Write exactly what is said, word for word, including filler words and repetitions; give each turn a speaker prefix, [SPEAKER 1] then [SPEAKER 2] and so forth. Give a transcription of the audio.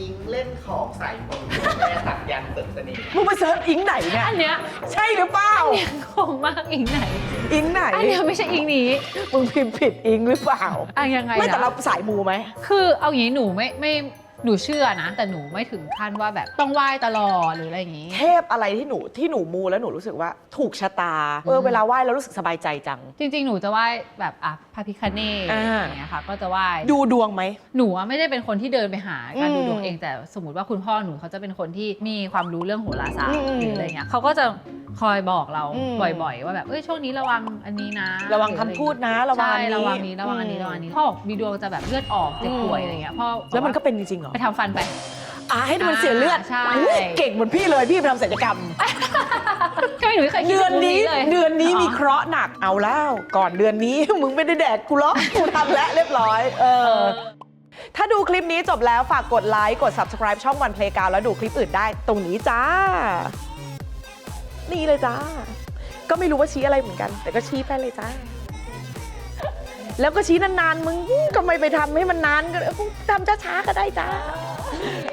[SPEAKER 1] อิงเล่นของใส่ผมแม่สักยันต์เสริมเสน่ห์
[SPEAKER 2] มึงไปเซิร์ชอิงไหนเนี่ย
[SPEAKER 3] อันเนี้ย
[SPEAKER 2] ใช่หรือเปล่า
[SPEAKER 3] คงมากอิงไหน
[SPEAKER 2] อิงไหน
[SPEAKER 3] อันเนี้ยไม่ใช่อิงนี้
[SPEAKER 2] มึงพิมพ์ผิดอิงหรือเปล่า
[SPEAKER 3] อ่ะยังไง
[SPEAKER 2] ไม่แต่
[SPEAKER 3] นะ
[SPEAKER 2] เราสายมูไหม
[SPEAKER 3] คือเอาอย่างนี้หนูไม่ไม่หนูเชื่อนะ แต่หนูไม่ถึงขั้นว่าแบบต้องไหว้ตลอดหรืออะไรอย่างนี้
[SPEAKER 2] เทพอะไรที่หนูที่หนูมูแล้วหนูรู้สึกว่าถูกชะตาเออเวลาไหว้แล้วรู้สึกสบายใจจัง
[SPEAKER 3] จริงๆ หนูจะไหว้แบบอ่ะพระพิฆเนศ
[SPEAKER 2] อ่า
[SPEAKER 3] อย่างเงี้ยค่ะ ก็จะไหว้
[SPEAKER 2] ดูดวงไหม
[SPEAKER 3] หนูอะไม่ได้เป็นคนที่เดินไปหาการ
[SPEAKER 2] อืม
[SPEAKER 3] ดูดวงเอง แต่สมมติว่าคุณพ่อหนูเขาจะเป็นคนที่มีความรู้เรื่องโหราศาสต
[SPEAKER 2] อื
[SPEAKER 3] ร์
[SPEAKER 2] ม
[SPEAKER 3] หรืออะไรเงี้ยเขาก็จะคอยบอกเรา
[SPEAKER 2] อืม
[SPEAKER 3] บ่อยๆ ว่าแบบเอ้ยช่วงนี้ระวังอันนี้นะ
[SPEAKER 2] ระวังคำพูดนะระวัง
[SPEAKER 3] ใช่
[SPEAKER 2] อันนี้
[SPEAKER 3] ระวังนี้ระวังอันนี้ระวังอันนี้พ่อบอกมีดวงจะแบบเลือดออกเจ็บป่วยอะไรเงี้ยพ่อ
[SPEAKER 2] แล้วมันก็เป็นจริงๆเหรอ
[SPEAKER 3] ไปทำฟันไป
[SPEAKER 2] อ่าให้มันเสียเลือด
[SPEAKER 3] ใช่
[SPEAKER 2] อุ๊ยเก่งเหมือนพี่เลยพี่ไปทำศัลยกรรม
[SPEAKER 3] ก็ไม่หนูไม่เคยคิ
[SPEAKER 2] เดือนนี้
[SPEAKER 3] เลย
[SPEAKER 2] เดือนนี้มีเคราะห์หนักเอาแล้วก่อนเดือนนี้ มึงไม่ได้แดกกูหรอกกูทำแล้วเรียบร้อยเอ
[SPEAKER 3] เอ
[SPEAKER 2] อ
[SPEAKER 3] อ
[SPEAKER 2] ถ้าดูคลิปนี้จบแล้วฝากกดไลค์กด Subscribe ช่องวันเพลงกาวแล้วดูคลิปอื่นได้ตรงนี้จ้า นี่เลยจ้า ก็ไม่รู้ว่าชี้อะไรเหมือนกัน แต่ก็ชี้ไปเลยจ้า แล้วก็ชี้นานๆมึงก็ไม่ไปทำให้มันนานก็เออทำช้าๆก็ได้จ้า